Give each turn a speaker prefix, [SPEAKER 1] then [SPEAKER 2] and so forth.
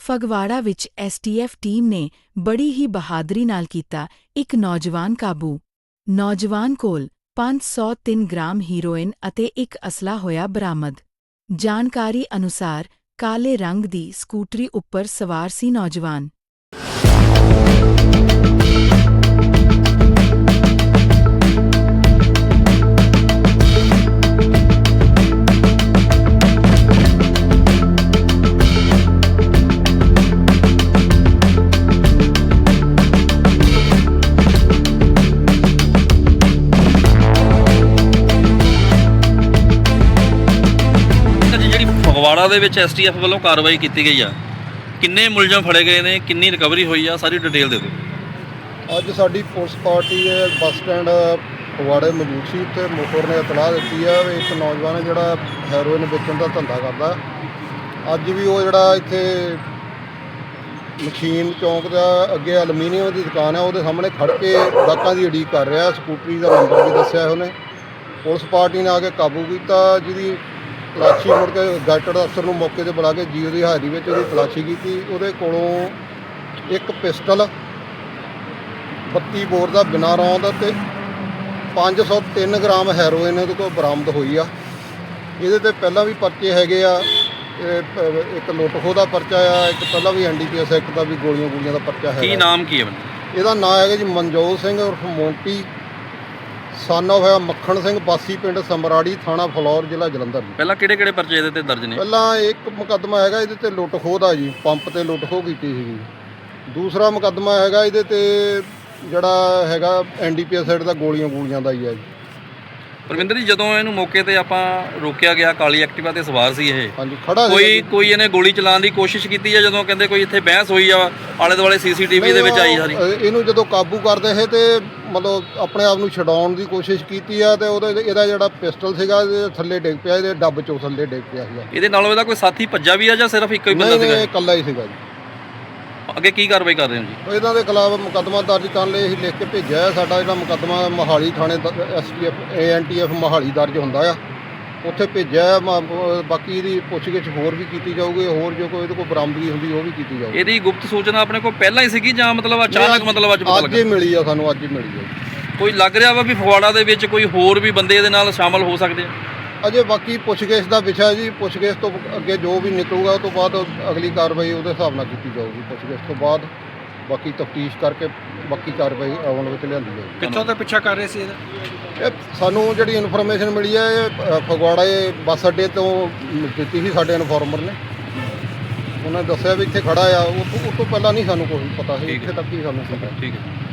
[SPEAKER 1] ਫਗਵਾੜਾ ਵਿੱਚ STF team ਨੇ ਬੜੀ ਹੀ ਬਹਾਦਰੀ ਨਾਲ ਕੀਤਾ ਇੱਕ ਨੌਜਵਾਨ ਕਾਬੂ। ਨੌਜਵਾਨ ਕੋਲ 503 ਗ੍ਰਾਮ ਹੀਰੋਇਨ ਅਤੇ ਇੱਕ ਅਸਲਾ ਹੋਇਆ ਬਰਾਮਦ। ਜਾਣਕਾਰੀ ਅਨੁਸਾਰ ਕਾਲੇ ਰੰਗ ਦੀ ਸਕੂਟਰੀ ਉੱਪਰ ਸਵਾਰ ਸੀ ਨੌਜਵਾਨ।
[SPEAKER 2] ਫਗਵਾੜਾ ਦੇ ਵਿੱਚ ਐਸਟੀਐਫ ਵੱਲੋਂ ਕਾਰਵਾਈ ਕੀਤੀ ਗਈ ਆ, ਕਿੰਨੇ ਮੁਲਜ਼ਮ ਫੜੇ ਗਏ ਨੇ, ਕਿੰਨੀ ਰਿਕਵਰੀ ਹੋਈ ਆ, ਸਾਰੀ ਡਿਟੇਲ ਦੇ ਦਿਓ।
[SPEAKER 3] ਅੱਜ ਸਾਡੀ ਪੁਲਿਸ ਪਾਰਟੀ ਬੱਸ ਸਟੈਂਡ ਫਗਵਾੜੇ ਮੌਜੂਦ ਸੀ ਤੇ ਮੋਟਰ ਨੇ ਇਤਲਾਹ ਦਿੱਤੀ ਆ ਵੀ ਇੱਕ ਨੌਜਵਾਨ ਜਿਹੜਾ ਹੈਰੋਇਨ ਵੇਚਣ ਦਾ ਧੰਦਾ ਕਰਦਾ। ਅੱਜ ਵੀ ਉਹ ਜਿਹੜਾ ਇੱਥੇ ਮਸ਼ੀਨ ਚੌਂਕ ਦਾ ਅੱਗੇ ਐਲੂਮੀਨੀਅਮ ਦੀ ਦੁਕਾਨ ਆ ਉਹਦੇ ਸਾਹਮਣੇ ਖੜ੍ਹ ਕੇ ਗਾਹਕਾਂ ਦੀ ਉਡੀਕ ਕਰ ਰਿਹਾ। ਸਕੂਟਰੀ ਦਾ ਨੰਬਰ ਵੀ ਦੱਸਿਆ ਉਹਨੇ। ਪੁਲਿਸ ਪਾਰਟੀ ਨੇ ਆ ਕੇ ਕਾਬੂ ਕੀਤਾ, ਜਿਹਦੀ ਤਲਾਸ਼ੀ ਮੁੜ ਕੇ ਗੈਟਡ ਅਫਸਰ ਨੂੰ ਮੌਕੇ 'ਤੇ ਬੁਲਾ ਕੇ ਜੀਓ ਦੀ ਹਾਜ਼ਰੀ ਵਿੱਚ ਉਹਦੀ ਤਲਾਸ਼ੀ ਕੀਤੀ। ਉਹਦੇ ਕੋਲੋਂ ਇੱਕ ਪਿਸਟਲ 32 ਬੋਰ ਦਾ ਬਿਨਾਂ ਰੌਂਦ ਅਤੇ 503 ਗ੍ਰਾਮ ਹੈਰੋਇਨ ਉਹਦੇ ਕੋਲ ਬਰਾਮਦ ਹੋਈ ਆ। ਇਹਦੇ 'ਤੇ ਪਹਿਲਾਂ ਵੀ ਪਰਚੇ ਹੈਗੇ ਆ, ਇੱਕ ਲੁੱਟ ਖੋਹ ਦਾ ਪਰਚਾ ਆ, ਇੱਕ ਪਹਿਲਾਂ ਵੀ NDPS ਐਕਟ ਦਾ ਵੀ ਗੋਲੀਆਂ ਦਾ ਪਰਚਾ ਹੈਗਾ।
[SPEAKER 2] ਕੀ ਨਾਮ ਕੀ ਹੈ?
[SPEAKER 3] ਇਹਦਾ ਨਾਂ ਹੈਗਾ ਜੀ ਮਨਜੋਤ ਸਿੰਘ ਉਰਫ ਮੋਂਟੀ, ਸਨ ਆਫ ਹੋਇਆ ਮੱਖਣ ਸਿੰਘ, ਵਾਸੀ ਪਿੰਡ ਸਮਰਾੜੀ, ਥਾਣਾ ਫਲੌਰ, ਜ਼ਿਲ੍ਹਾ ਜਲੰਧਰ।
[SPEAKER 2] ਪਹਿਲਾਂ ਕਿਹੜੇ ਪਰਚੇ ਇਹਦੇ ਤੇ ਦਰਜ ਨੇ?
[SPEAKER 3] ਪਹਿਲਾਂ ਇੱਕ ਮੁਕੱਦਮਾ ਹੈਗਾ ਇਹਦੇ ਤੇ ਲੁੱਟ ਖੋਹ ਦਾ ਜੀ, ਪੰਪ ਤੇ ਲੁੱਟ ਖੋਹ ਕੀਤੀ ਸੀਗੀ। ਦੂਸਰਾ ਮੁਕੱਦਮਾ ਹੈਗਾ ਇਹਦੇ ਤੇ ਜਿਹੜਾ ਹੈਗਾ NDPS ਸਾਈਡ ਦਾ ਗੋਲੀਆਂ ਦਾ ਹੀ ਹੈ ਜੀ।
[SPEAKER 2] ਪਰਵਿੰਦਰ ਜੀ, ਜਦੋਂ ਇਹਨੂੰ ਮੌਕੇ ਤੇ ਆਪਾਂ ਰੋਕਿਆ ਗਿਆ, ਕਾਲੀ ਐਕਟਿਵਾ ਤੇ ਸਵਾਰ ਸੀ ਇਹ,
[SPEAKER 3] ਹਾਂਜੀ ਖੜਾ
[SPEAKER 2] ਕੋਈ ਇਹਨੇ ਗੋਲੀ ਚਲਾਉਣ ਦੀ ਕੋਸ਼ਿਸ਼ ਕੀਤੀ ਜਾਂ ਜਦੋਂ ਕਹਿੰਦੇ ਕੋਈ ਇੱਥੇ ਬਹਿਸ ਹੋਈ ਆ ਆਲੇ ਦੁਆਲੇ CCTV ਦੇ ਵਿੱਚ ਆਈ ਸਾਰੀ?
[SPEAKER 3] ਇਹਨੂੰ ਜਦੋਂ ਕਾਬੂ ਕਰਦੇ ਸੀ ਤੇ ਮਤਲਬ ਆਪਣੇ ਆਪ ਨੂੰ ਛਡਾਉਣ ਦੀ ਕੋਸ਼ਿਸ਼ ਕੀਤੀ ਆ ਤੇ ਇਹਦਾ ਜਿਹੜਾ ਪਿਸਟਲ ਸੀਗਾ ਇਹਦੇ ਥੱਲੇ ਡਿੱਗ ਪਿਆ, ਇਹਦੇ ਡੱਬ ਚੋਂ ਥੱਲੇ ਡਿੱਗ ਪਿਆ ਸੀਗਾ।
[SPEAKER 2] ਇਹਦੇ ਨਾਲੋਂ ਇਹਦਾ ਕੋਈ ਸਾਥੀ ਭੱਜਾ ਵੀ ਆ ਜਾਂ ਸਿਰਫ ਇੱਕੋ ਹੀ ਬੰਦਾ ਸੀਗਾ?
[SPEAKER 3] ਨਹੀਂ, ਇਕੱਲਾ ਹੀ ਸੀਗਾ ਜੀ।
[SPEAKER 2] ਅੱਗੇ ਕੀ ਕਾਰਵਾਈ ਕਰ ਰਹੇ ਹੋ ਜੀ?
[SPEAKER 3] ਇਹਨਾਂ ਦੇ ਖਿਲਾਫ ਮੁਕੱਦਮਾ ਦਰਜ ਕਰਨ ਲਈ ਅਸੀਂ ਲਿਖ ਕੇ ਭੇਜਿਆ ਹੈ। ਸਾਡਾ ਜਿਹੜਾ ਮੁਕੱਦਮਾ ਮੋਹਾਲੀ ਥਾਣੇ STF ANTF ਮੋਹਾਲੀ ਦਰਜ ਹੁੰਦਾ ਆ, ਉੱਥੇ ਭੇਜਿਆ। ਬਾਕੀ ਇਹਦੀ ਪੁੱਛਗਿੱਛ ਹੋਰ ਵੀ ਕੀਤੀ ਜਾਊਗੀ, ਹੋਰ ਜੋ ਕੋਈ ਇਹਦੇ ਕੋਲ ਬਰਾਮਦਗੀ ਹੁੰਦੀ ਉਹ ਵੀ ਕੀਤੀ ਜਾਊਗੀ।
[SPEAKER 2] ਇਹਦੀ ਗੁਪਤ ਸੂਚਨਾ ਆਪਣੇ ਕੋਲ ਪਹਿਲਾਂ ਹੀ ਸੀਗੀ ਜਾਂ ਮਤਲਬ ਅਚਾਨਕ ਮਤਲਬ ਅੱਜ ਪਤਾ ਲੱਗਾ?
[SPEAKER 3] ਅੱਜ ਹੀ ਮਿਲੀ ਆ ਸਾਨੂੰ, ਅੱਜ ਹੀ ਮਿਲੀ ਆ।
[SPEAKER 2] ਕੋਈ ਲੱਗ ਰਿਹਾ ਵਾ ਵੀ ਫਗਵਾੜਾ ਦੇ ਵਿੱਚ ਕੋਈ ਹੋਰ ਵੀ ਬੰਦੇ ਇਹਦੇ ਨਾਲ ਸ਼ਾਮਲ ਹੋ ਸਕਦੇ ਆ?
[SPEAKER 3] ਅਜੇ ਬਾਕੀ ਪੁੱਛਗਿੱਛ ਦਾ ਵਿਸ਼ਾ ਜੀ, ਪੁੱਛਗਿੱਛ ਤੋਂ ਅੱਗੇ ਜੋ ਵੀ ਨਿਕਲੂਗਾ ਉਹ ਤੋਂ ਬਾਅਦ ਅਗਲੀ ਕਾਰਵਾਈ ਉਹਦੇ ਹਿਸਾਬ ਨਾਲ ਕੀਤੀ ਜਾਊਗੀ। ਪੁੱਛਗਿੱਛ ਤੋਂ ਬਾਅਦ ਬਾਕੀ ਤਫਤੀਸ਼ ਕਰਕੇ ਬਾਕੀ ਕਾਰਵਾਈ ਅਮਲ ਵਿੱਚ ਲਿਆਂਦੀ ਜਾਊਗੀ।
[SPEAKER 2] ਕਿੱਥੋਂ ਦਾ ਪਿੱਛਾ ਕਰ ਰਹੇ ਸੀ ਇਹਦਾ?
[SPEAKER 3] ਇਹ ਸਾਨੂੰ ਜਿਹੜੀ ਇਨਫੋਰਮੇਸ਼ਨ ਮਿਲੀ ਹੈ ਇਹ ਫਗਵਾੜਾ ਬੱਸ ਅੱਡੇ ਤੋਂ ਦਿੱਤੀ ਸੀ ਸਾਡੇ ਇਨਫੋਰਮਰ ਨੇ। ਉਹਨਾਂ ਨੇ ਦੱਸਿਆ ਵੀ ਇੱਥੇ ਖੜਾ ਆ, ਉਹ ਤੋਂ ਪਹਿਲਾਂ ਨਹੀਂ ਸਾਨੂੰ ਕੋਈ ਪਤਾ ਸੀ, ਇੱਥੇ ਤੱਕ ਹੀ ਸਾਨੂੰ ਪਤਾ।
[SPEAKER 2] ਠੀਕ ਹੈ।